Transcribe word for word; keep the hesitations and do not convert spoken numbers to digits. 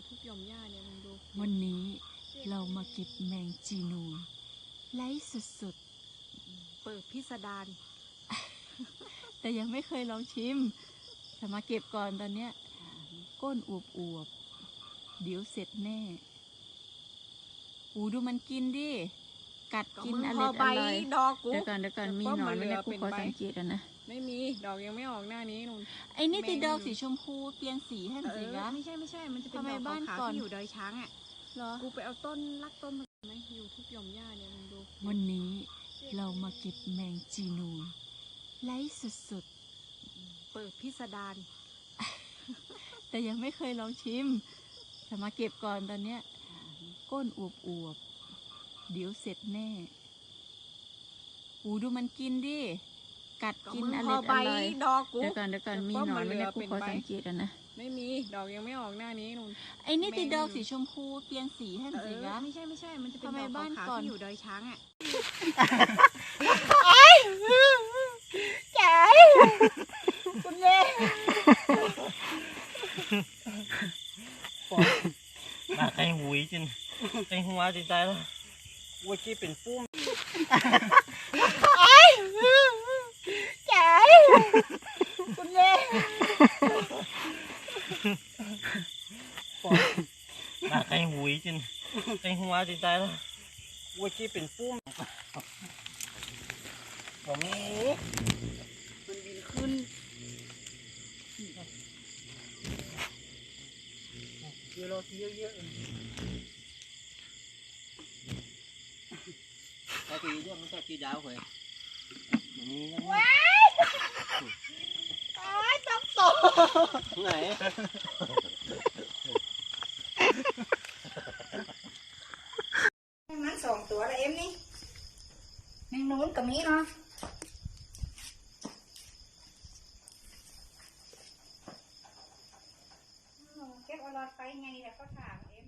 ทุกหย่อมหญ้าเนี่ยมึงดูวันนี้เรามาเก็บแมงจีนูนไร้สุดเปิดพิสดารๆ แต่ยังไม่เคยลองชิมแต่มาเก็บก่อนตอนเนี้ยก้นอวบๆเดี๋ยวเสร็จแน่อูดูมันกินดิกัดกินอร่อยอร่อยเดี๋ยวก่อนเดี๋ยวก่อนมีหนอนไหมเนี่ยกูขอสังเกตอ่ะนะไม่มีดอกยังไม่ออกหน้านี้นุ่นไอ้นี่ติดดอกสีชมพูเปลี่ยนสีให้หน่อยสิคะไม่ใช่ไม่ใช่มันจะเป็นทำไมดอกบ้านขาวก่อนๆที่อยู่ดอยช้างอ่ะเหรอกูไปเอาต้นรักต้นมาไหมอยู่ทุกหย่อมหญ้าเนี่ยมึงดูวันนี้เรามาเก็บแมงจีนูนไร้สุดๆเปิดพิสดารแต่ยังไม่เคยลองชิมแต่มาเก็บก่อนตอนเนี้ยก้นอวบๆเดี๋ยวเสร็จแน่อูดูมันกินดิกัดกินอร่อยอร่อยเดี๋ยวก่อนเดี๋ยวก่อนมีหนอนไหมเนี่ยกูขอสังเกตอ่ะนะไม่มีดอกยังไม่ออกหน้านี้นุ่นไอ้นี่ติดดอกสีชมพูเปลี่ยนสีให้หน่อยสิคะไม่ใช่ไม่ใช่มันจะเป็นทำไมดอกบ้านขาวก่อนๆที่อยู่ดอยช้างอ่ะจ๋าคุณเย่น่าใจหุยจนใจหัวใจใจแล้วว่ากี้เป็นปุ้มจ๋าคุณเย่น่าใจหุยจนใจหัวใจใจแล้วว่ากี้เป็นปุ้มผมนี่มันบินขึ้นเยอะเราทีเยอะๆตาตีเรื่องมันตาตีดาวเหรอมีนะว้ายตายต้องโตไหนมันสองตัวละเอ็มนี่แมงนู้นกับนี้เนาะเก็บเอาหลอดไฟไงเนี่ยเขาถามเอ็ม